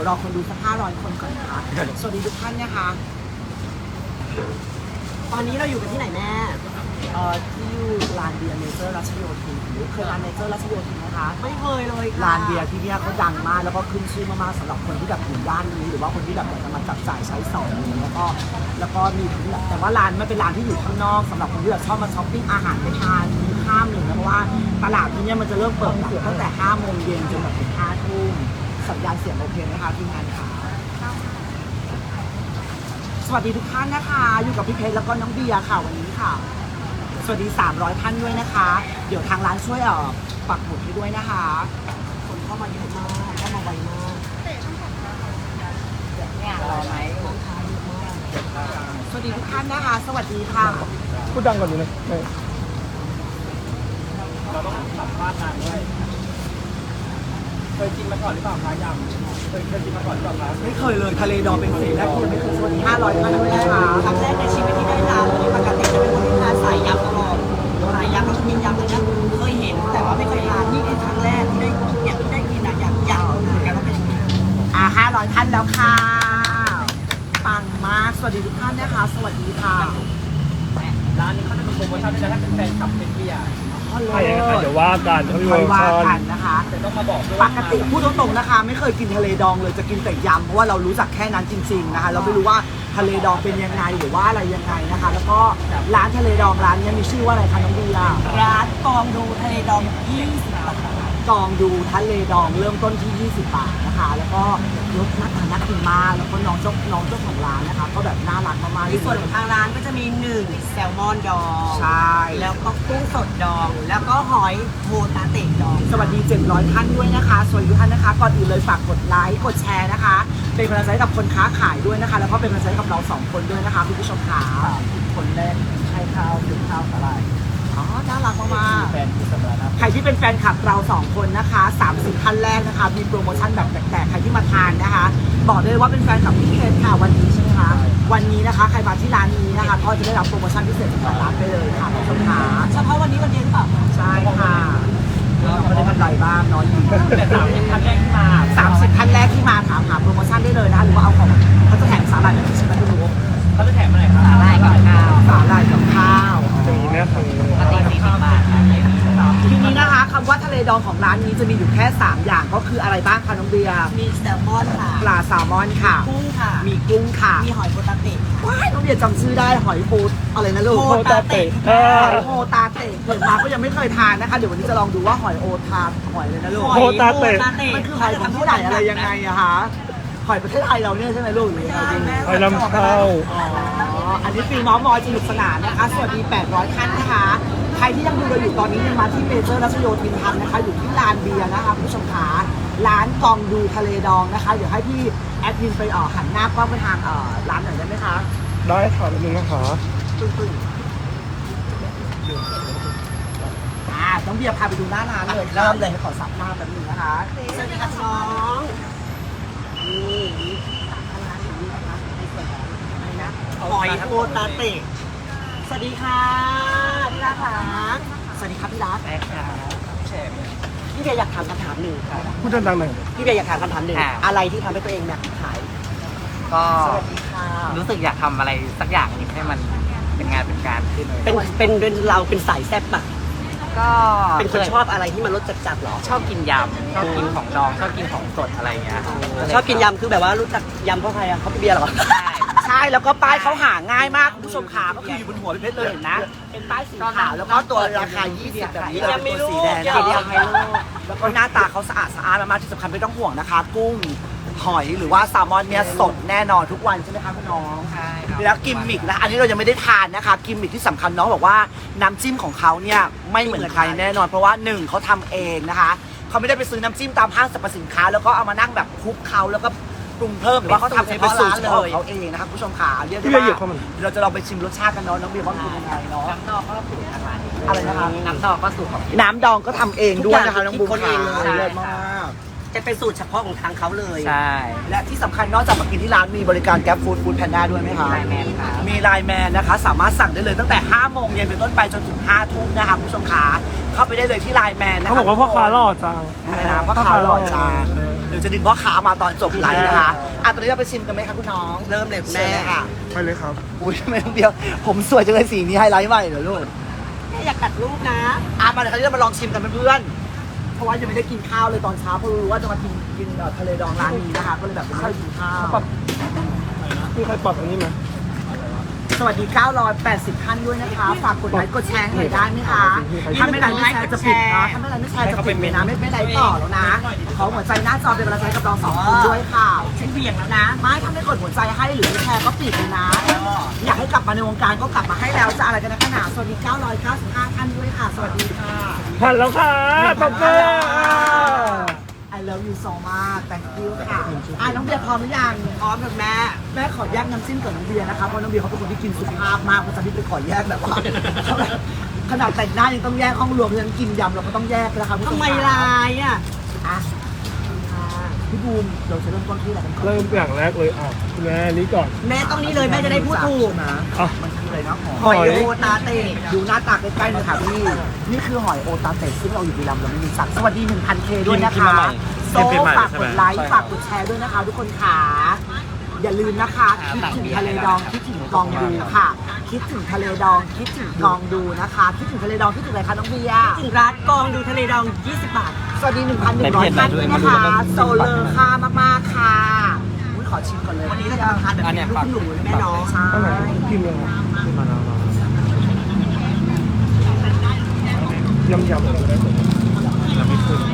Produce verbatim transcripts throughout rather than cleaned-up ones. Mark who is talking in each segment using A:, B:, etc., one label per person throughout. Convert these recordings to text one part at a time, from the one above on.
A: ยวรอคนดูสักห้าร้อยคนก่อนนะคะสวัสดีทุกท่านนะคะตอนนี้เราอยู่กันที่ไหนแม่เอ่อที่อยู่ลานเบียร์เนเจอร์รัชโยธินเคยลานเนเจอร์รัชโยธินนะคะไม่เคยเลยค่ะลานเบียร์ที่เนี่ยเขาดังมากแล้วก็ขึ้นชื่อมากๆสำหรับคนที่แบบอยู่ย่านนี้หรือว่าคนที่แบบอยากจะมาจับจ่ายใช้สอยแล้วก็แล้วก็มีแต่ว่าร้านมันเป็นร้านที่อยู่ข้างนอกสำหรับคนที่แบบชอบมาช้อปปิ้งอาหารไปทานมีข้ามหนึ่งนะเพราะว่าตลาดที่เนี่ยมันจะเริ่มเปิดตั้งแต่ห้าโมงเย็นจนแบบถึงห้าทุ่มสัญญาณเสียงโอเคไหมคะทีมงานค่ะสวัสดีทุกท่านนะคะอยู่กับพี่เพชรแล้วก็น้องเบียร์ค่ะวันนี้ค่ะสวัสดีสามร้อยท่านด้วยนะคะเดี๋ยวทางร้านช่วยเอ่อปักหมุดให้ด้วยนะคะคนเข้ามาเยอะมากเข้ามาไวมากเนี่ยรอไหมสวัสดีทุกท่านนะคะสวัสดีค่ะ
B: พูดดังก่อนดีนะ
C: เราต้องสัมภาษณ์นานด้วยเคยกินมาก่อนหรือเปล่าคะยำเคยเคยกินมาก่อนหรือเปล่าคะ
A: ไม่เคยเลยทะเลดองเป็นสิ่งแรกที่ยังไม่เคยสวัสดีห้าร้อยท่านด้วยนะคะครั้งแรกในชีวิตที่ได้ทานเลยปกติจะเป็นคนที่ทานสายยำตลอดสายยำก็จะกินยำเลยนะเคยเห็นแต่ว่าไม่เคยทานนี่เป็นครั้งแรกที่ได้เนี่ยที่ได้กินอะอยากอยากรู้เหมือนกันว่าเป็นยังไงอ่าห้าร้อยท่านแล้วค่ะปังมากสวัสดีทุกท่านนะคะสวัสดีค่ะ
C: ร้านนี้เขาจะมีโปรโมชั่นด้วยนะถ้าเป็นแฟนคลับเป็นเบียร์
B: ใช่นะคะเดี๋ยวว่ากันเขามีโปรโมชั่น
A: นะคะ
C: แต่ต้องมาบอกด้วย
A: ปกติพูดตรงๆนะคะไม่เคยกินทะเลดองเลยจะกินแต่ยำเพราะว่าเรารู้จักแค่นั้นจริงๆนะคะเราไม่รู้ว่าทะเลดองเป็นยังไงหรือว่าอะไรยังไงนะคะแล้วก็ร้านทะเลดองร้านนี้มีชื่อว่าอะไรคะน้องดีล่ะร้านกองดูทะเลดองยี่สิบบาทกองดูทะเลดองเริ่มต้นที่ยี่สิบบาทนะคะแล้วก็รสน่าทานน่ากินมากแล้วก็น้องเจ้าน้องเจ้าของร้านนะคะก็แบบน่ารักมากๆในส่วนของทางร้านก็จะมีหนึ่งแซลมอนดองใช่แล้วก็กุ้งสดดองแล้วก็หอยโฮตาเตะดองสวัสดีเจ็ดร้อยท่านด้วยนะคะสวัสดีทุกท่านนะคะก่อนอื่นเลยฝากกดไลค์กดแชร์นะคะเป็นกำลังใจกับคนค้าขายด้วยนะคะแล้วก็เป็นกำลังใจกับเราสองคนด้วยนะคะคุณผู้ชมค่ะ
C: คนแรกใช่ข้าวถึงข้าวอะไร
A: อ๋อน่ารักมาก
C: แฟนคือสำราญ
A: ใครที่เป็นแฟนคลับเราสองคนนะคะสามสิบท่านแรกนะคะมีโปรโมชั่นแบบแปลกๆใครที่มาทานนะคะบอกเลยว่าเป็นแฟนคลับพี่เพชรค่ะวันนี้ใช่ไหมคะวันนี้นะคะใครมาที่ร้านนี้นะคะก็จะได้รับโปรโมชั่นพิเศษจากร้านไปเลยค่ะคุณผู้ชมค่ะเฉพาะวันนี้วันเดียวหรือเปล่าใช่ค่ะไม่ได้กำไรบ้างน้อยอยู่
C: แต่สามสิบท่านแรกที่มา
A: สามสิบท่านแรกที่มาถามหาโปรโมชั่นได้เลยนะคะหรือว่าเอาของเขาจะแถมสาหร่ายแบบนี้ใช่ไหมคุณรู้
C: เขาจะแถมอะไรครับ
A: สาหร่ายกับข้าวสาหร่ายกับข้าว
B: ดีนะคะ
A: ปกติสี่สิบบาททีนี้นะคะคำว่าทะเลดองของร้านนี้จะมีอยู่แค่สามอย่างก็คืออะไรบ้างคะน้องเบียร์มีแซลมอนค่ะปลาแซลมอนค่ะกุ้งค่ะมีกุ้งค่ะมีหอยโฮตาเตะว้ายน้องเบียร์จำชื่อได้หอยโฮอะไรนะลูก
B: โฮตาเตะ
A: หอยโฮตาเตะเกิดมาก็ยังไม่เคยทานนะคะเดี๋ยววันนี้จะลองดูว่าหอยโอทาหอยเลยนะลูก
B: โฮตาเตะ
A: มันคือหอยของที่ไหนอะไรยังไงอะคะหอยประเทศไทยเราเนี่ยใช่ไหมลูกหรือไงจริง
B: หอยลำเข้า
A: อ๋ออันนี้ฟรีมอมอยสนุกสนานนะคะสวัสดีแปดร้อยท่านนะคะใครที่ยังดูเราอยู่ตอนนี้ยังมาที่เมเจอร์รัชโยธินทันนะคะอยู่ที่ลานเบียร์นะคะผู้ชมขาร้านกองดูทะเลดองนะคะเดี๋ยวให้พี่แอดมินไปเอ่อหันหน้ากล้องไปทางเอ่อร้านหน่อยได้ไหมคะ
B: ได้ค่ะนิดนึงนะคะ
A: ตึ้งตึ้งอ่าต้องเบียร์พาไปดูหน้าร้านเลยเริ่มเลยขอซับหน้าแป๊บนึงนะคะสวัสดีค่ะน้องนี่นี่ร้านนี้นะคะในส่วนของอะไรนะหอยโฮตาเตะสวัสดีค่ะพี่รักค่ะสวัสดีครับพี่รัก
C: แม่ค่ะแชร์
A: พี่เบียร์อยากถามคำถามหนึ่งค่ะ
B: พูดดังๆหน่อย
A: พี่เบียร์อยากถามคำถามหนึ่งอะไรที่ทำให้ตัวเองอยากขาย
D: ก็
A: สวัสดีค่ะ
D: รู้สึกอยากทำอะไรสักอย่างนึงให้มันเป็นงานเป็นการขึ้นเลย
A: เป็นเป็นเป็นเราเป็นสายแซ่บปะ
D: ก็
A: เป็นคนชอบอะไรที่มันรสจัดๆหรอ
D: ชอบกินยำชอบกินของดองชอบกินของสดอะไรเงี้ย
A: ชอบกินยำคือแบบว่ารู้จักยำเพราะใครอ่ะเขาพี่เบียร์หรอใช่ใช่แล้วก็ป้ายเขาหาง่ายมากคุณผู้ชมขาก็คืออยู่บนหัวพี่เพชรเลยเห็นนะเป็นป้ายสีขาวแล้วก็ตัวราคายี่สิบแบบนี้เลยตัวสีแดงยังไม่รู้แล้วก็หน้าตาเขาสะอาดสะอาดมากที่สำคัญไม่ต้องห่วงนะคะกุ้งหอยหรือว่าแซลมอนเนี่ยสดแน่นอนทุกวันใช่ไหมคะคุณน้อง
D: ใช่ครับ
A: แล้วกิมมิกนะอันนี้เรายังไม่ได้ทานนะคะกิมมิกที่สำคัญน้องบอกว่าน้ำจิ้มของเขาเนี่ยไม่เหมือนใครแน่นอนเพราะว่าหนึ่งเขาทำเองนะคะเขาไม่ได้ไปซื้อน้ำจิ้มตามห้างสรรพสินค้าแล้วก็เอามานั่งแบบคลุกเขาแล้วก็ปรุงเพิ่มหรือว่าเขาทำเฉพาะร้านเลยเขาเองนะคะผู้ชมขาเรียกได้ว่าเราจะลองไปชิมรสชาติกันเนาะน้องเบียร์ว่าเป็นยังไงเนาะ
D: น้ำดองก็สูตรทางร้าน
A: อะไรนะคะ
D: น้ำดองก็สูตรของ
A: น้ำดองก็ทำเองด้วยนะคะน้องบุ๊คเองเลยเลิศมาก
E: จะเป็นสูตรเฉพาะของทางเขาเลย
D: ใช่
A: และที่สำคัญนอกจากมากินที่ร้านมีบริการแก๊ปฟู้ดฟู้ดแพนด้าด้วยไหมคะ
D: ไลน์แมนครับ
A: มีไลน์แมนนะคะ สามารถสั่งได้เลยตั้งแต่ห้าโมงเย็นเป็นต้นไปจนถึงห้าทุ่มนะคะคุณผู้ชมขาเข้าไปได้เลยที่ไลน์แมนนะคะ
B: เขาบอกว่าพ่อค้าหล่อจัง
A: อะไรนะพ่อค้าหล่อจังเดี๋ยวจะดึงพ่อค้ามาตอนจบไลฟ์นะคะอ่ะตอนนี้เราไปชิมกันไหมคะคุณน้อง
E: เริ่มเลยคุณ
A: แม่
E: แม่
A: ค่ะ
B: ไปเลยครับ
A: อุ้ยทำไมต้องเดียว ผมสวยจังเลยสีนี้ไฮไลท์ใหม่เหรอลูก
E: แม่อยากกัดรูปนะ
A: อ่ะมาเดี๋ยวคราวนี้เรามาลองชิมกันเพื่อนๆเพราะว่ายังไม่ได้กินข้าวเลยตอนเช้าเพราะรู้ว่าจะมากินกินเอ่อทะเลดองร้านนี้นะคะก็เลยแบบไม่ได้กินข้าว
B: มีใครปรับอันนี้ไหม
A: สวัสดีเก้าร้อยแปดสิบท่านด้วยนะคะฝากกดไลค์กดแชร์ให้หน่อยได้ไหมคะถ้าไม่ไลค์ไม่แชร์จะปิดนะถ้าไม่ไลค์ไม่แชร์จะปิดเลยนะไม่ไม่ไลค์ต่อแล้วนะขอหัวใจหน้าจอเป็นกำลังใจให้กับเราสองคนด้วยค่ะ
E: ฉันเบี่ยงแล้วนะ
A: ไม่ถ้าไม่กดหัวใจให้หรือไม่แชร์ก็ปิดเลยนะ อยากให้กลับมาในวงการก็กลับมาให้แล้วจะอะไรกันนะขนาดสวัสดีเก้าร้อยเก้าสิบห้าท่านด้วยค่ะ สวัสดีค่ะ
B: ผ่านแล้วค่ะตบมือ
A: I love you so much thank you ค่ะอ่ะน้องเบียร์พร้อมหรือยัง
E: พร้อมกับแม่
A: แม่ขอแยกน้ำจิ้มกับน้องเบียร์นะคะเพราะน้องเบียร์เขาเป็นคนที่กินสุขภาพมากเพราะฉะนั้นไปขอแยกแบบว่า ขนาดแต่งหน้ายังต้องแยกห้องรวมเพราะฉะนั้นกินยำเราก็ต้องแยกนะคะคุณผู้ช
E: ทำไม
A: ค่ะ
E: ลายอ่ะ
A: อ่ะพี่บูมเราจะเริ่มต้นที่อะไรกันก่อน
B: เริ่มอย่างแรกเลยอ่ะคุณแม่นี่ก่อน
E: แม่ต้องนี้เลยแม่จะได้พูดถูก
A: นะ
B: อ่ะ
A: มันคืออะไรนะห
E: ห
A: อ
E: อย ยโอตาเตะ
A: ดูหน้าตาใกล้ๆเลยค่ะพี่ นี่คือหอยโอตาเตะซึ่งเราอยู่บุรีรัมย์เราไม่มีสักสวัสดี หนึ่งพันเค ด้วยนะคะโซ่ฝากกดไลค์ฝากกดแชร์ด้วยนะคะ ทุกคนค่ะอย่าลืมนะคะ คิดถึงทะเลดองคิดถึงกองดูค่ะ คิดถึงทะเลดองคิดถึงกองดูนะคะ คิดถึงทะเลดองคิดถึงอะไรคะน้องเบียร์
E: ถึงร้านกองดูทะเลดองยี่สิบบาท
A: สวัสดี หนึ่งพันหนึ่งร้อย ท่านด้วยนะคะโซเลอร์ค่ามากๆค่ะอุ๊ยขอชิมก่อนเลย
E: วันนี้เราจะทานแบบเป็นลูกหนูนะแม่เน้อง
A: ใช่
B: อันไหนพิมพ์เลยครับยำยำเลยได้ไหมยังไม่ขึ้น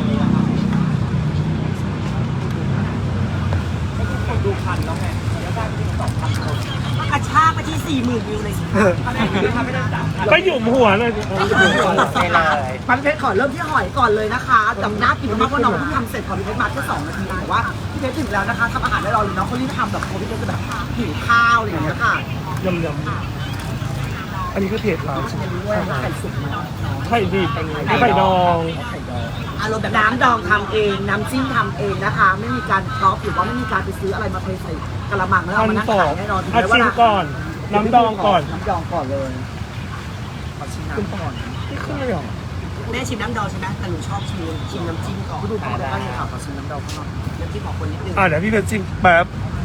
A: ดูพันแล้วไงเดี๋ยวได้ที่สองพันคน
E: กระชากไปที่สี่หมื่นวิวเลยสิ
B: ก็หยุมหัวเลย
D: ไปเลย
A: ปันเพชรขอเริ่มที่หอยก่อนเลยนะคะแต่น่ากินมากเพราะน้องเพิ่งทำเสร็จพอพี่เพชรมาแค่สองนาทีแต่ว่าพี่เพชรถึงแล้วนะคะทำอาหารได้รออยู่น้องเขารีบทำแบบพอพี่เพชรจะแบบหิวข้าวอะไรอย่างเงี้ยค่ะ
B: ยำยำอันนี้คือเพจร้าน
A: ชิมด้วยว่าไข่สุกไหม
B: ไข่ดิบไข่ดอง
A: ไข่ดองอารมณ์แบบน้ำดองทำเองน้ำจิ้มทำเองนะคะ ไม่มีการครอฟหรือว่าไม่มีการไปซื้ออะไรมาเทใส่กระมังแล้วเอา
B: พัน
A: มานั่ง
B: สอ
A: ขาง ยแน่นอนถึง
B: อา
A: แม้ว่า
B: ชิมก่อน น้ำดองก่อน
A: น้ำดองก่อนเลยขอชิมน้ำก่อน
B: ไม่ขึ้นเลยเหรอ
E: แม่ชิมน้ำดองใช่ไหมแต่หนูชอบชิมชิมน้ำจิ้มก่อน
A: พี่ดูเข้าไปได้เลยค่ะขอชิมน้ำดองข้างนอก
E: น้ำจิ้มของคนนิดนึง
B: อ่ะเดี๋ยวพี่เพชรชิมแป๊บ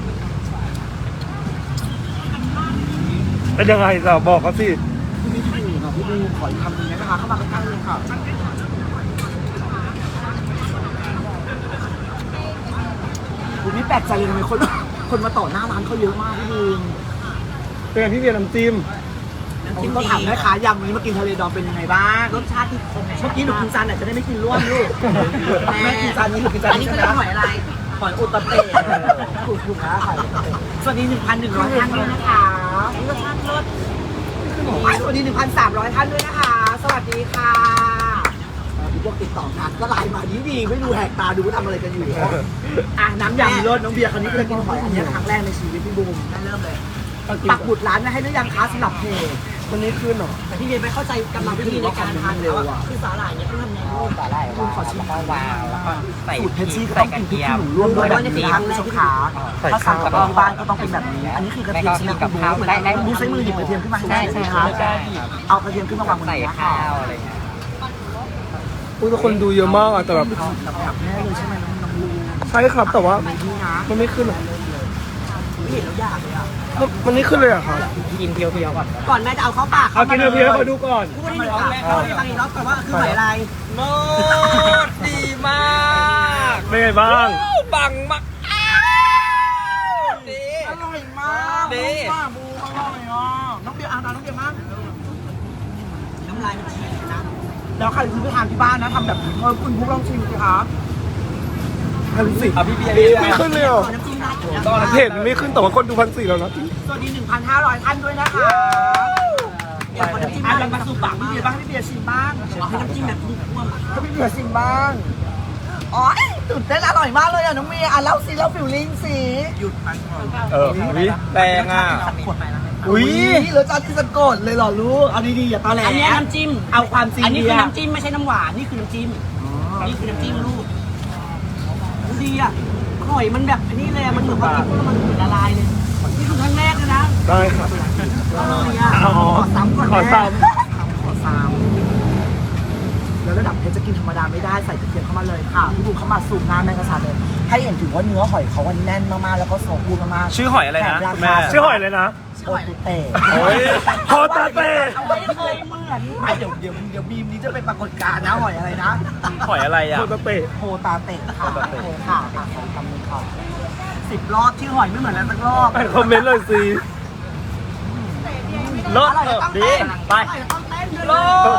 B: เป็นยังไงจะบอกเขาสิ
A: พี่ไม่ถูกอ่ะพี่ดูขออีกคำหนึงนะคะเข้ามาใกล้ๆเลยค่ะคุณไม่แปลกใจเลยทำไมคนคนมาต่อหน้าร้านเขาเยอะมากพี่ดู
B: เป็นไงพี่เบียร์น้ำจิ้ม
E: น้ำ
A: ผม
E: จิ้ม
A: ก็
E: ดี
A: ถามแม่ค้ายำวันนี้มากินทะเลดองเป็นยังไงบ้าง
E: รสชาติที่คง
A: เมื่อกี้หนูกินจานไหนจะได้ไม่กินร่วมลูกแม่กินจานนี้หนูกินจาน
E: อัน
A: นี้
E: นี้
A: ใช่
E: คือ
A: ไหม
E: หอยอะไร
A: หอยอุตเตะถูกถูกนะค่ะสวัสดีหนึ่งพันหนึ่งร้อยท่านด้วยนะคะรสชาติรสสวัสดีหนึ่งพันสามร้อยท่านด้วยนะคะ สวัสดีค่ะพวกติดต่องานก็ไลน์มาดีดีๆไม่ดูแหกตาดูว่าทำอะไรกันอยู่อ่ะน้ำยำรสน้องเบียร์คราวนี้ก็จะกินหอยอันนี้ครั้งแรกในชีวิตพี่บูม
E: ได้เริ่มเลย
A: ปักหมุดร้านไว้ให้หรือยังคะสำหรับเพจ
B: วันนี้ขึ้นเหรอ
E: แต่พี่เบียร์ไม่เข้าใจกรรมวิธีในการทานเขาอะคือสาหร่ายเนี่ยต้องทำไงลูก
D: สาหร่ายว้าวแล้วก็วาวแล้วก็ใส่
A: สูตรเพชรชี่ก็
D: ใส่
A: ต้อง
D: ก
A: กิ
D: ระ
A: นพริก
D: เทีย
A: ขี้
D: ม
A: หนูร่วมด้วยแบบนี้นะคะคุณผู้ชมขาถ้าสั่งกับที่บ้านก็ต้องเป็นแบบนี้ อันนี้คือกระเทียมชี่คุณบูเหมือนกันบูใช้มือหยิบกระเทียมขึ้นมาให้ได้ใช่ไหมคะ
D: ใช่
A: เอากระเทียมขึ้นมาวางบน
D: ใส่
A: นี้
D: ข้า
A: ค่ะ
D: วอะไรเงี้ย
B: อุ้ยแต่คนดูเยอะมากอ่ะแต่แบบ
A: กับแม่เลยใช่ไหมน้องน้องบู
B: ใช่ครับแต่ว่า
A: นี่นะ
B: มันไม่ขึ้นหรอ
A: ไม่เห็นแล้วอยากเลยอ่ะ
B: มันมันไม่ขึ้นเลยเหรอะครับ
D: กินเพียวๆก่อน
E: ก่อนแม่จะเอาเข้าปาก
B: เอากินเพียวๆให้เขาดูก่อน
E: พูดให้หนึ่งค่ะเล่าให้ฟังอีกรอบก่อนว่าคือหอยอะไร
C: โมดดีมาก
B: เป็นไงบ้าง
C: บังมากดี
A: อร่อยมาก
C: ดี
A: มากบูอร่อยอ่ะน้องเบียร์อ่านน้องเบียร์มาก
E: น้ำลายมันฉีกนะ
A: แล้วใครซื้อไปทานที่บ้านนะทำแบบนี้เพิ่มคุณพุกลองชิมสิครับ
B: พันสี่
C: อ่ะพี่เบียร์
B: ไม่ขึ้นเลยเหรอ
E: ขอน้ำจิ้มได้อยู่นะ
C: ตอน
B: เพจมันไม่ขึ้นแต่ว่าคนดูพันสี่แล้วนะ
A: สวัสดี หนึ่งพันห้าร้อย ท่านด้วยนะคะ
E: เดี๋ยวขอน้ำจิ้ม
A: อ่ะ
E: ได้
A: ยังมาสู่ปากพี่เบียร์บ้างพี่เบียร์ชิมบ้าง
E: ขอน้ำจิ้มแบบนุ่มๆอ่ะ
A: ก็พี่เบียร์ชิมบ้างอ๋อตื่นเต้นอร่อยมากเลยอ่ะน้องเมียอ่ะเล่าสิเล่าฟิลลิ่งสิหยุดไปก่อน
C: เออวิแรงอ่ะ
A: อุ้ยรสชาติที่สะกดเลยเหรอลูกเอาดีๆอย่าตอแหล
E: อันนี้น้ำจิ้ม
A: เอาความจริง
E: อันนี้คือ
A: เบียร์
E: น้ำจิ้มไม่ใช่น้ำหวานนี่คือน้ำจิ้มนี่คือน้ำจิ้มลูกดีอ่ะหอยมันแบบอันนี้เลยมันเหมือนว่ากินแล้วมันเหมือนละลายเลยนี่คือครั้งแรกเลยนะ
B: ได้ครับ
E: เลยอ่ะ
B: อ๋อ
A: ขอซ้ำก่อน
B: ขอ
A: แม่
B: ซ้
A: ขอซ้ำแล้วระดับเพชรจะกินธรรมดาไม่ได้ใส่กระเทียมเข้ามาเลยค่ะพี่บูเข้ามาสูบน้ำแมงกะพรุนเลยให้เห็นถึงว่าเนื้อหอยเขาวันแน่นมากๆแล้วก็โซกูมากๆ
C: ชื่อหอยอะไรนะ
A: แถมรา
C: คุณ
A: คา
C: แม่
B: ำชื่อหอยเลยนะ
A: โอตุเตะ
B: โอ้ยโฮตาเต้
A: ไม่เคยเหมือนไม่เดี๋ยวเดี๋ยวเดี๋ยวบีมนี้จะเป็นปรากฏการณ์นะหอยอะไรนะ
C: หอยอะไรอ่ะ
B: โฮตาเต้
A: โฮตาเตะค่ะโอเคค่ะอ่ะขอคำหนึงค่ะสิบรอบชื่อหอยไม่เหมือนกันสักรอบ
B: อ่านคอมเมนต์เลยสิ
C: เลิศ
A: อร่อย
C: เอ
A: จะ
C: อ
A: ต้อง
C: ดี
A: เต้น
C: ไป
A: อร่อยจะต้องเต้น
C: โล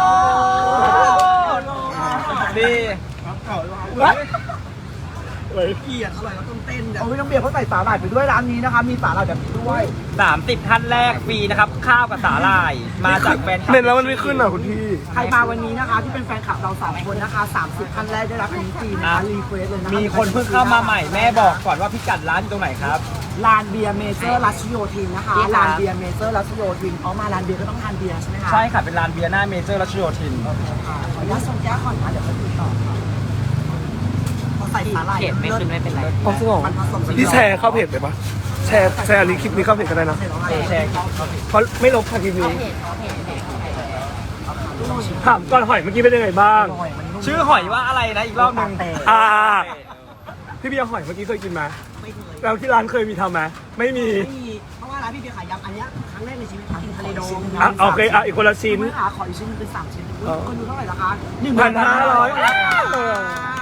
C: ดดี
A: เฮ้ย
B: เฮ้ย
A: เกลียดอร่อยแล้วต้องเต้นโอ้ยน้องเบียร์เขาใส่สาหร่ายไปด้วยร้านนี้นะคะ มีสาหร่ายแบบนี้ด้วย
C: สามสิบท่านแรกฟรีนะครับ ข้าวกับสาหร่าย มาจากแฟนคลับ
B: เน้นแล้วมันไม่ขึ้นอ่ะคุณพี่
A: ใครมาวันนี้นะคะ ที่เป็นแฟนคลับเราสองคนนะคะสามสิบท่านแรกได้รับอันนี้ฟรีนะคะรีเควสเลยนะคะ
C: มีคนเพิ่งเข้ามาใหม่แม่บอกก่อนว่าพิกัดร้านอยู่ตรงไหนครับ
A: ลานเบียร์เมเจอร์รัชโยธินนะคะลานเบียร์เมเจอร์รัชโยธินเขามาลานเบียร์ก็ต้องทานเบียร์ใช่ไหมคะ
C: ใช่ค่ะ เป็นร้านเบียร์หน้าเมเจอร์รัชโยธิน
A: โอเคค่ะขออนุญาตส่งแก้วก่อนนะเดี๋ยวไปคุยต่อค่ะเขาใส่สาหร่าย
D: เขียนไม่ขึ้นไม่เป็นไร
B: อ๋อจริงเหรอ
A: มันผสม
B: พี่แชร์เข้าเพจเลยปะแชร์แชร์อันนี้คลิปนี้เข้าเพจก็ได้นะ
C: เอแชร์
B: เพราะไม่ลบค่ะคลิปนี้ถามก่อนหอยเมื่อกี้เป็นยังไงบ้าง
C: ชื่อหอยว่าอะไรนะอีกรอบหนึ่ง
B: อ่า พี่เบียร์หอยเมื่อกี้เคยกินไหม
A: ไม่เคย
B: แล้วที่ร้านเคยมีทำไหมไม่มี
A: ไม่มีเพราะว่าร้านพี่เบียร์ขายยำอันเนี้ยครั้งแรกในชีวิตกินทะเลดอง
B: อ่ะโอเคอ่ะอีกคนละชิ้น
A: ไม่หาขออีกชิ้นหนึงเป็นสามชิ้นอุ๊ย
B: เออ
A: คนดูเท่าไหร่ละคะ
B: หนึ่งพันห้าร้อย
A: เออ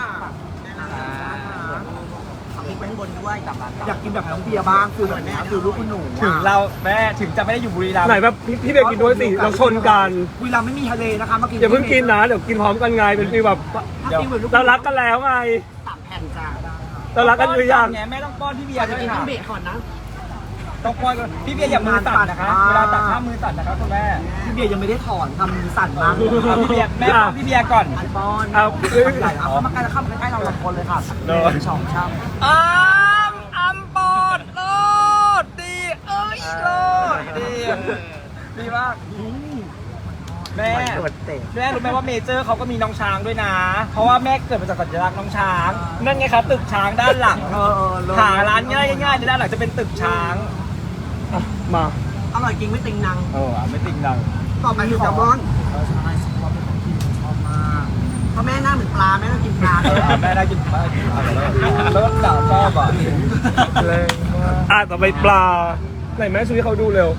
A: เอาพริกไว้ข้างบนด้วยอยากกินแบบน้องเบียร์บ้างคือแบบแม่คือลูกคุณหนูอะ
C: ถึงเราแม่ถึงจะไม่ได้อยู่บุรีรัมย์
B: ไหนแบบพี่พี่เบียร์กินด้วยสิเราชนกัน
A: บุรีรัมย์ไม่มีทะเลนะคะมากิน
B: อย่าเพิ่งกินนะเดี๋ยวกินพร้อมกันไงเป็นฟีลแบบ
A: ถ้ากินเหมือนลูก
B: เรารักกันแล้วไง
A: สามแผ่นจ้า
B: เรารักกันหรือยัง
C: ไงแม่ต้องป้อนพี่เบียร์ด้วย
E: กิน
C: ค่ะ
E: ต้องเบรกก่อนนะ
C: ต้องป้อนก่อนพี่เบียร์อย่ามือสั่นนะคะเวลาตักข้ามมือสั่นนะครับคุณแม่
A: พี่เบียร์ยังไม่ได้ถอนทำมือสั่นมาก
C: เอาพี่เบียร์แม่ป้อนพี่เบียร์ก่อน
A: ไอปอน
B: เอา
A: ใหญ่เอาเข้ามาใกล้แล้วเข้ามาใกล้เราสองคนเลยค่ะ
C: โดน
A: สองช่ำ
C: อ้ามอัมปอดโลดดีเอ้ยโลดดีดีมากแม่
A: โดดเตะ
C: แม่รู้ไหมว่าเมเจอร์เขาก็มีน้องช้างด้วยนะ เพราะว่าแม่เกิดมาจากสัญลักษณ์น้องช้าง นั่นไงครับตึกช้างด้านหลัง
A: เออเออเลย
C: หาร้านง่ายง่ายๆในด้านหลังจะเป็นตึกช้าง
B: อ่ะมา
E: อร่อยจริงไม่ติงนัง
C: โอ้ไม่ติงดัง
E: ต่อไปคือแซลมอน
A: เออใช่ชอบเป็นของกินชอบมาก
E: เพราะแม่หน้าเหมือนปลาแม่ต้องกินปลา
C: เออแม่ได้กินปลาเลิศด่าชอบอ่ะ
B: แรงมากอ่ะต่อไปปลาไหนแม่ช่วยให้เขาดูเร็ว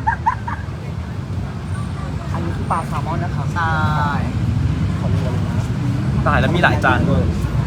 A: อันนี้คือปลาแซลมอนนะคะใช่
C: ตายแล้วมีหลายจานด้วย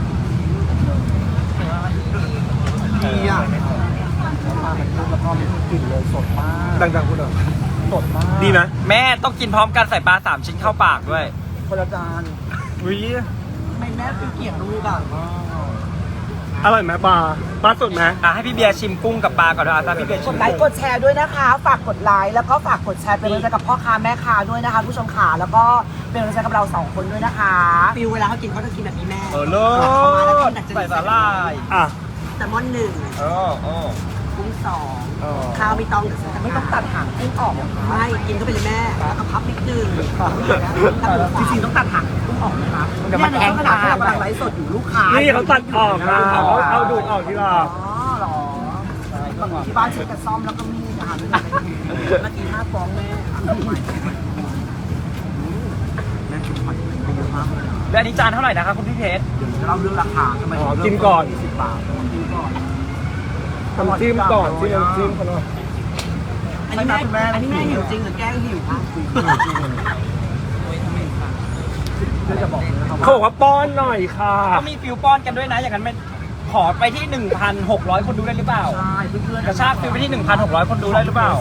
A: ดีอ่ะปลาเป็นลูกแล้วก็มีกลิ่นเลยสดมาก
B: ดังๆคุณเหรอ
A: สดมาก
B: ดีไหม
C: แม่ต้องกินพร้อมกันใส่ปลาสามชิ้นเข้าปากด้วย
A: คนละจาน
C: วิ
A: ทำไมแม่เป็นเกลียดลูกอ่ะ
B: อร่อยไหมปลาปลาสดไหม
C: อ่ะให้พี่เบียร์ชิมกุ้งกับปลาก่อนด้วยอ่ะตามพี่เบียร์
A: ก
C: ชิ
A: ด
C: ม
A: ไลค์กดแชร์ด้วยนะคะ ฝากกดไลค์แล้วก็ฝากกดแชร์เป็นกำลังใจกับพ่อค้าแม่ค้าด้วยนะคะผู้ชมขาแล้วก็เป็นกำลังใจกับเราสองคนด้วยนะคะ
E: ฟิวเวลาเขากินเขาจะกินแบบนี้แม่
C: เออเลิศใส่สาหร่าย
B: อ่ะ
E: แซลมอนหนึ่ง
C: เออเออ
E: กุ้งสอง
B: อ๋อ
E: ข้าวไม่ต้องเดี๋ยวฉัน
A: ไม่ต้องตัดหางกุ้งออกนะคะ
E: ไม่กินเข้าไปเลยแม่แล้วก็พับนิดนึง
A: จริงๆต้องตัดหางกุ้งออกนะคะ
D: เดี๋ยวมันแห้ง
A: ขนาดที่เรากำลังไลฟ์สดอยู่ลูกค้า
B: นี่เขาตัดออกนะเขาเอาดูดออกทีละ
A: อ๋อเหรอที่บ้านใช้กระซ่อมแล้วก็มีดนะคะไม่ได้เมื่อกี้ห้าฟองแม่อ่ะแม่กินหอยไปเยอะมากเลยอะ
C: และอันนี้จานเท่าไหร่นะครับคุณพี่เพชร
A: เดี๋ยวจะเล่าเรื่องราคาทำไม
B: อ๋อ
A: ถึง
B: กินก่อน
A: ยี่สิบบาทกินก่อน
B: ทำจิ้มก่อนจิ้มน้ำจิ้มเขาหน่อย
E: อันนี้แม่อันนี้แม่หิวจริงหรือแกล้งหิวคะ
A: เพื่อจะบอกเลยนะครับ
B: เขาบอกว่าป้อนหน่อยค่ะ
C: ก็มีฟิวป้อนกันด้วยนะ อย่างนั้นไม่ขอไปที่ หนึ่งพันหกร้อย คนดูได้หรือเปล่า
A: ใช่เพื่อนๆ
C: กระชากฟิวไปที่ หนึ่งพันหกร้อย คนดูได้หรือเปล่า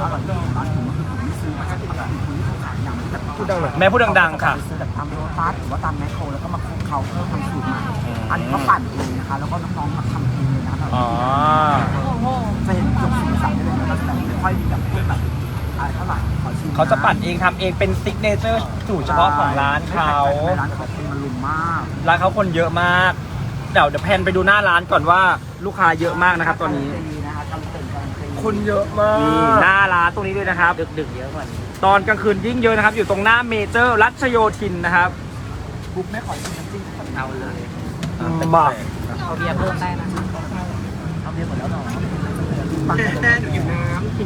B: พูดดังหน่อย
C: แม่พูดดังๆค่ะ
A: ซื้อแบบตามโรตัสหรือว่าตามแมคโครแล้วก็มาคลุกเคล้าเพื่อทำสูตรใหม่อันนี้เขาปั่นเองนะคะ แล้วก็น้องๆมาทำเองเลยนะคะ
C: อ๋อ
A: จะเห็นจบสีสันได้เลยนะแต่ไม่ค่อยมีแบบแบบอะไรเท่าไหร่ขอชิม
C: เขาจะปั่นเองทำเองเป็นซิกเนเจอร์สูตรเฉพาะของร้านเขา
A: ร้านเขาเป็นมารุมมาก
C: ร้านเขาคนเยอะมาก เดี๋ยวเดี๋ยวแพนไปดูหน้าร้านก่อนว่าลูกค้าเยอะมากนะครับตอนนี้
A: ดีนะคะทำเป็นการันตี
B: คนเยอะมาก
C: นี่หน้าร้านตรงนี้ด้วยนะครับ
D: ดึกๆเยอะกว่านี้
C: ตอนกลางคืนยิ่งเยอะนะครับ อยู่ตรงหน้าเมเจอร์รัชโยธินนะครับ
A: บุ๊กไม่ขอชิมน้ำจิ้ม
D: เอาเลย
B: มา
D: เอาเบียร์เพิ่มได้นะ
A: เอาเบียร์หมดแล้วเหรอ
E: แม่หนูอยู่น้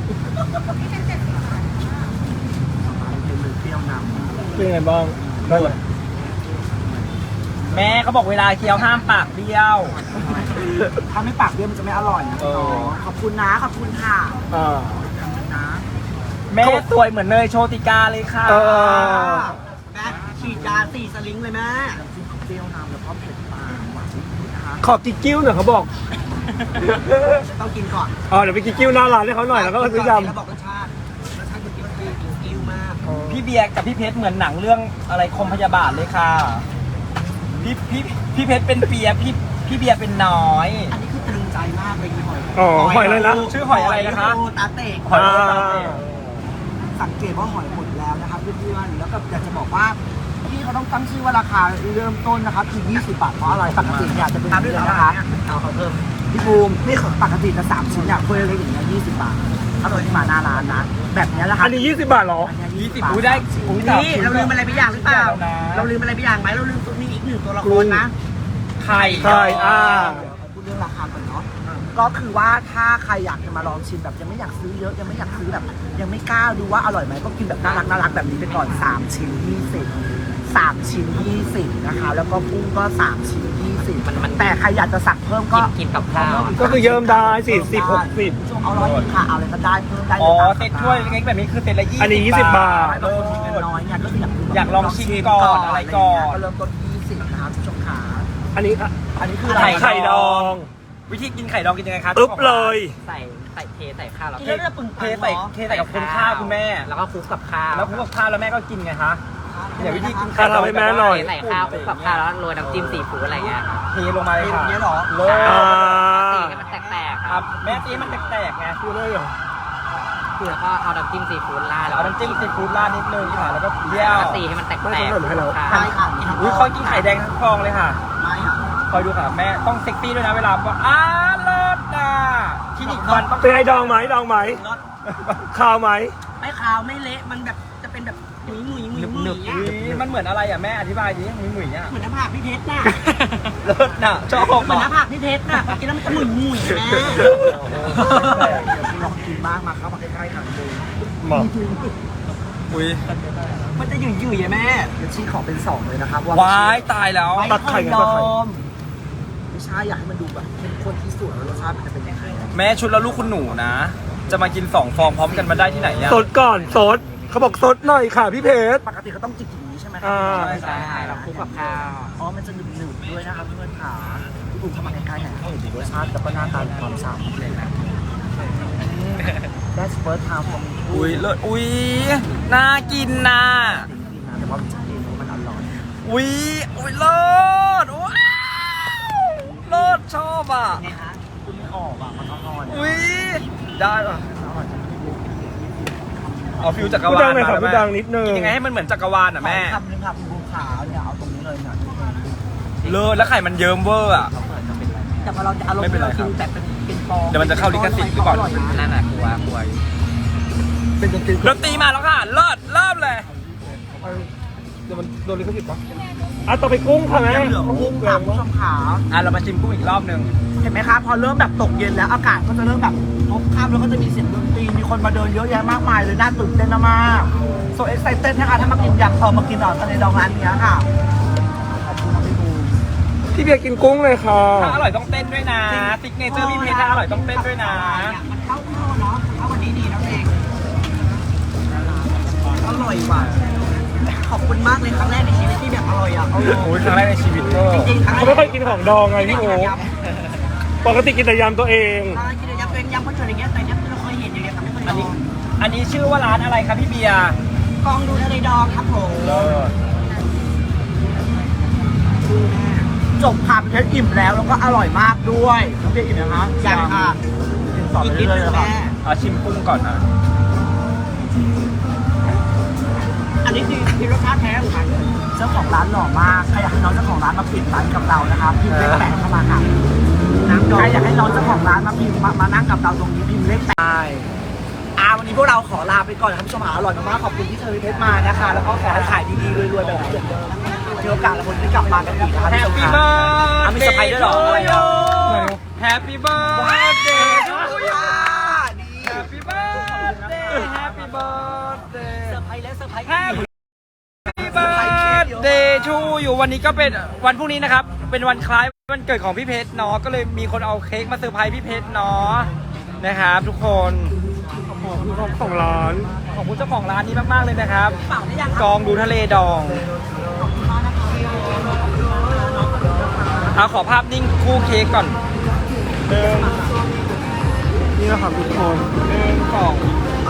A: เปรี้ยวนำ
B: เป็นไงบ้างได้เลย
C: แม่เขาบอกเวลาเคี้ยวห้ามปากเบี้ยว
A: ถ้าไม่ปากเบี้ยวมันจะไม่อร่อยนะพี่น้องขอบคุณนะขอบคุณค่ะ
B: อ่า
A: นะ
C: แม่สวยเหมือนเนยโชติกาเลยค่ะ
B: เออ
E: ำแม่ฉีดยาสี่สลิงเลยแม่
A: น้ำจิ้มเปรี้ยวนำแล้วก็เผ็ดปลาหวานนิดๆนะคะ
B: ขอกิ๊กกิ้วหน่อยเขาบอก
E: ต้องกินก่อน
B: อ๋อเดี๋ยวไปกิ๊กกิ้วหน้าร้านให้เขาหน่อยแล้วก็ซื้อย
E: แล้วบอกรสชาติรสชาติคือกินกินกิ้วมาก
B: ำ
C: พี่เบียร์กับพี่เพชรเหมือนหนังเรื่องอะไรคมพยาบาทเลยค่ะ พี่พี่พี่เพชรเป็นเปียพี่พี่เบียร์เป็นน้อย
E: อันนี้คือตรึงใจมากเลยหอย
B: อ๋อหอยเลยนะ
C: ชื่อหอยอะไรนะคะ
E: โตาเตะ
C: หอยโรตาเต้
A: สังเกตว่าหอยหมดแล้วนะครับเพื่อนๆแล้วก็อยากจะบอกว่าพี่เขาต้องตั้งชื่อว่าราคาเริ่มต้นนะครับคือยี่สิบบาทเพราะอะไรปกติเนี่ยจะเป็นเดือนนะคะ
E: เอาเขาเพิ่ม
A: พี่บูมนี่ของปกติจะสามชิ้นเนี่ยถ้วยเล็กอย่างเงี้ยยี่สิบบาทถ้าตัวที่มาหน้าร้านนะแบบเนี้ยแหละครั
B: อันนี้ยี่สิบบาทเหรอ
C: ยี่สิบอุ้ยได้อุ้ย
E: นี่เราลืมอะไรไปอย่างหรือเปล่า
C: นะ
E: เราลืมอะไรไปอย่างไหมเราลืมตัวนี้อีกหนึ่งตัวละครนะ
C: ไข่
B: ใช่อ่า
A: เดี๋ยวพูดเรื่องราคาก่อนเนาะก็คือว่าถ้าใครอยากจะมาลองชิมแบบยังไม่อยากซื้อเยอะยังไม่อยากซื้อแบบ ยังไม่กล้าดูว่าอร่อยไหมก็กินแบบน่ารักน่ารักแบบนี้ไปก่อนสามชิ้นยี่สิบสามชิ้นยี่สิบนะคะแล้วก็กุ้งก็สามชิ้นยี่สิบ
D: มันมัน
A: แต่ใครอยากจะสั่งเพิ่ม
D: กิ
A: ก็
D: นกินกับข้าวอะ
B: ก็คือเยิ้มได้สี่สิบหกสิบ
A: เอาร้อยหนึงค่ะเอาอะไรก็ได้เพิ่มได้ลย
C: อ๋อ
A: ตาม
C: เซ็ตถ้วยเล็กๆแบบนี้คือเซ็ตละยี่สิบ
B: อันนี้ยี่สิบบาท
A: บางคนมีเงินน้อยเนี่ยก็คืออยากดูแบบ
C: อยากลองชิมก่อนอะไรก่อน
A: ก็เริ่มต้นยี่สิบนะคะผู้ชมขา
B: อันนี้อ่ะ
A: อันนี้คือ
C: ไข่
B: ไข่ดอง
C: วิธีกินไข่ดองกินยังไงคะ
B: อึ๊บเลย
D: ใส่ใส่เทใส่ข้าวแล้ว
E: กินแล้วจะปึง
C: เทใส่เทใส่กับคนข้าวคุณแม่
D: แล้วก็คลุกกับข้าว
C: แล้วคลุกกับข้าวแล้วแม่ก็กินไงคะเดี๋ยววิธีกิน
B: ข้าวทำให้แม่หน่อย
D: เทใส่ข้าวคลุกกับข้าวแล้วโรยน้ำจิ้มซีฟู้ดอะไรเงี้ยครับ
C: เทลงมาเลยค่ะ
E: เนี้ยหรอ
C: โล
B: อ่า
D: ตีให้มันแตกๆ
C: ค
D: ค
C: รั
D: รั
C: บบ แม่ตีมันแตกๆไง
B: คือเลยเหรอ
D: แล้วก็เอาน้ำจิ้มซีฟู้ดราด
C: เอาน้ำจิ้มซีฟู้ดราดนิดนึงค่ะแล้วก็เยี่ย
D: แล้ว
C: ว
D: ก็ตีให้มันแตก
B: ไม่
D: ๆ
B: ต้องให้เรา
D: ข้าว
E: ใช่ค่ะ
C: อุ้ยคอยกินไข่แดงทั้งฟองเลยค่ะ
E: ไม่ค่ะ
C: คอยดูค่ะแม่ต้องเซ็กซี่ด้วยนะเวลาว่าอ้าเลิศนะคลินิกฟันต้อง
B: เป็นไงดองไหมดองไหมข้าวไหม
E: ไม่ขาวไม่เละมันแบบจะเป็นแบบหมุยหมุยหมุยหมุย
C: อุ๊ยมันเหมือนอะไรอ่ะแม่อธิบายดิหมุยๆอ่ะ
E: เหมือนหน้าผากพี่เพชรน่ะ
C: เลิศน่ะชอบ
E: เหมือนหน้าผากพี่เพชรน่ะกินแล้วมันจะหมุยหมุยแม่
A: ลองกินบ้างมาเข้ามาใกล้ๆกันดู
B: หมอ
C: อุ้ย
E: มันจะหยุ่ยหยุ่ยแม่
A: เดี๋ยวชี้ขอเป็นสองเลยนะครับ
C: วายตายแล้ว
B: ตัดไข่กันตัดไข่
A: ไม่ใช่อยากให้มันดูแบบเข้มข้นที่สุดแล้วรสชาติมันจะเป็นยังไง
C: แม่ชุดแล้วลูกคุณหนูนะ จะมากินสองฟองพร้อมกันมาได้ที่ไหนอ่ะ
B: สดก่อนสดเขาบอกสดหน่อยค่ะพี่เพชร
A: ปกติเขาต้องจิกอย่างนี้ใช่ไหมครั
B: อ่า
D: ใช่เราคลุกกับข้าว
A: อ๋อมันจะหนึบหนึบๆด้วยนะครับเพื่อนขาพี่บุ๋มเข้ามาใกล้ๆหน่อยให้เห็นถึงรสชาติแล้วก็หน้าตาความฉ่ำเลยนะ That's first time for me
C: อุ้ยเลิศอุ้ยน่ากินนะ
A: แต่ว่ามันจะกินมันอร่อย
C: อุ้ยอุ้ยเลิศว้าวเลิศชอบอ่ะ
A: ไงฮะคุณไม่ออกอ่ะมันอร่อย
C: อุ้ยได้ป่ะ
A: อร่อยจัง
C: เอาฟิวจักร
B: พูด
C: วา
B: ดั
C: ล
B: งหน่อยค่ะ
C: มา
B: พูดดังนิดนึง
C: กินยังไงให้มันเหมือนจักรวาลอ่ะแม่
A: คำนึงครับคุณบุ๋มขาเนี่ยเอาตรงนี้เลยเนี่ย
C: เลิศแล้วไข่มันเยิ้มเวอร์อ่ะ
E: แต่พอเราจะอารมณ์
C: ไม่เป็นไร
E: เรา
C: ครั
E: กิ
C: บ
E: นแต่เป็นเป็นฟอง
C: เดี๋ยวมันจะเข้าลิขสิทธิ์หรือเปล่า
D: นั่นน่ะกลัวกลัว
A: เป็นจนตื่น
C: ดนตรีมาแล้วค่ะ เลิศเริ่มเลย
B: เดี๋ยวมันโดนลิขสิทธิ์ปะอ่ะต่อไปกุ้งค่ะแม่
A: ยังเหลือกุ้งค่ะคุณผู้ชมขา
C: อ่ะเรามาชิมกุ้งอีกรอบหนึ่ง
A: เห็นไหมคะพอเริ่มแบบตกเย็นแล้วอากาศก็จะเริ่มแบบพบค่ำแล้วก็จะมีเสียงดนตรีมีคนมาเดินเยอะแยะมากมายเลยน่าตื่นเต้นมากโซเอ็กไซเต็ดนะคะถ้ามากินยำเออมากินอ่อนทะเลดองร้านนี้ค่ะขอบคุณนะพี่บูม
B: พี่เบียร์กินกุ้งเลยค่ะ
C: ถ้าอร่อยต้องเต้นด้วยนะซิกเนเจอร์พี่เพชรถ้าอร่อยต้องเต้นด้วยนะ
E: มันเข้าเข้าเนาะเข้าวันนี้ดีนะเอง
A: อร่อยว่ะ
E: ขอบคุณมากเลยครั้งแรกในชีวิตที่แบบอร่อยอ่ะ
C: โอ้ยครั้งแรกในชีวิตเวอร์
E: จริงๆครั้งแร
B: เขา
E: ก
B: ไม่ค่อยกินของดองไงพี่โอ๊คปกติกินแต่ยำตัวเอง
E: อ่ากินแต่ยำเป็นยำก็เจออย่างเงี้ยแต่เนี้ยเราเคยเห็นอย่างเงี้ยแต่ไม่เคยล
C: อัน
E: อ
C: นี้
E: ง
C: อันนี้ชื่อว่าร้านอะไรครับพี่เบียร์
E: กองดูทะเลดองครับผม
C: เลิศ
A: จบค่ะเพชรอิ่มแล้วแล้วก็อร่อยมากด้วยน้องเบียร์อิ่มนะคะ
E: ยังค่ะ
A: กินต่อ
E: อีก
A: ไป
E: นิด
A: เรื่อย
E: นึ
A: ๆ
E: ง
A: เลยค่ะ
E: แม่
C: เอาชิมกุ้งก่อนนะ
E: อันนี้คือคือรสชาติแท้ของมัน
A: เจ้าของร้านหล่อมากใครอยากให้น้องเจ้าของร้านมาปิดร้านกับเรานะคะพิมพ์เลขแปดเข้ามาค่ะใครอยากให้น้องเจ้าของร้านมาพิมพ์มามานั่งกับเราตรงนี้พิมพ์เลขแปดอ่าวันนี้พวกเราขอลาไปก่อนนะครับผู้ชมหาอร่อยมากๆขอบคุณที่เชิญพี่เพชรมานะคะ แล้วก็ขอให้ขายดีๆรวยๆแบบนี้เหมือนเดิมถือโอกาสแล้วคนที่กลับมากันอีกนะคะ
C: แฮ
A: พี่
C: ป
A: ชม
C: ปี้
A: ค่ะ
C: เบิร์ด
A: อ่ะมีเซอร์ไพรส์ด้วยเหรอ
C: แฮปปี้เบิร์ดเดย์ทูยู
A: นี่
C: แฮปปี้เบิร์ดเดย์แฮปปี้เบิร์ดเดย์
E: เซอร์ไพรส์และเซอร์ไพรส์
C: แฮปปี้เบิร์ดเดย์ทูอยู่วันนี้ก็เป็นวันพรุ่งนี้นะครับ เป็นวันคล้ายวันเกิดของพี่เพชรเนาะก็เลยมีคนเอาเค้กมาเซอร์ไพรส์พี่เพชรเนาะนะครับทุกคน
B: ขอบคุณของร้าน
C: ขอบคุณเจ้าของร้านนี้มากๆเลยนะครับ
E: เปล่าได้ยัง
C: กองดูทะเลดองเอาขอภาพนิ่งคู่เค้กก่อนหนึ่ง
B: นี่นะครับทุกคน
C: หนึ่งสอง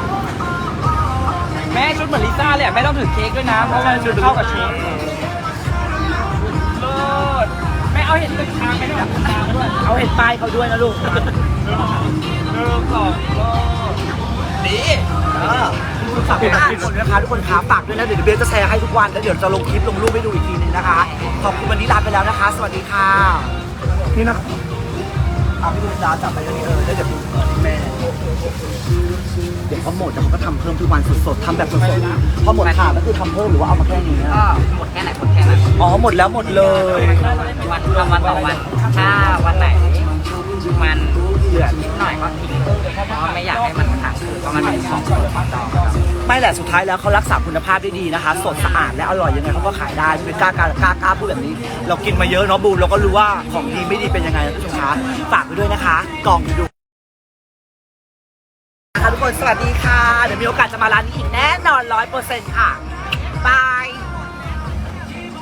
C: แม่ชุดเหมือนลิซ่าเลยอะแม่ต้องถือเค้กด้วยนะเพราะว่าชุดเข้ากับเค้กเลิศแม่เอาเห็ดตึกทางไปด้วยตึกทางด้วย
A: เอาเห็นป้ายเขาด้วยนะลูก
C: หนึ่งสองเลิศดี
A: ฝากทุกคนนะคะทุกคนขาฝากด้วยนะเดี๋ยวเบสจะแชร์ให้ทุกวันแล้วเดี๋ยวจะลงคลิปลงรูปให้ดูอีกทีนึงนะคะขอบคุณวันนี้ลาไปแล้วนะคะ สวัสดีค่ะ
B: นี่นะ
A: เอาพี่ดูดาจับไปอย่างนี้เออแล้วเดี๋ยวดูแม่เดี๋ยวเขาหมดแล้วเขาก็ทำเพิ่มทุกวันสดๆทำแบบสดๆพอหมดขาก็คือทำเพิ่มหรือว่าเอามาแค่นี้
D: ก็หมดแค่ไหนหมดแค่นั้น
A: อ๋อหมดแล้วหมดเลย
D: วันทำวันต่อวัน ถ้าวันไหนมันเหลือนิดหน่อยก็ทิ้งเพราะไม่อยากให้มันค้างคืนเพราะมันเป็นของต่อ
A: ไม่แหละสุดท้ายแล้วเขารักษาคุณภาพได้ดีนะคะ สดสะอาดและอร่อยยังไงเขาก็ขายได้ไม่กล้ากล้ากล้ากล้าพูดแบบนี้ เรากินมาเยอะเนาะบูมเราก็รู้ว่าของดีไม่ดีเป็นยังไงนะทุกคนคะฝากไปด้วยนะคะกล่องดูนะคะทุกคนสวัสดีค่ะเดี๋ยวมีโอกาสจะมาร้านนี้อีกแน่นอนร้อยเปอร์เซ็นต์ค่ะบาย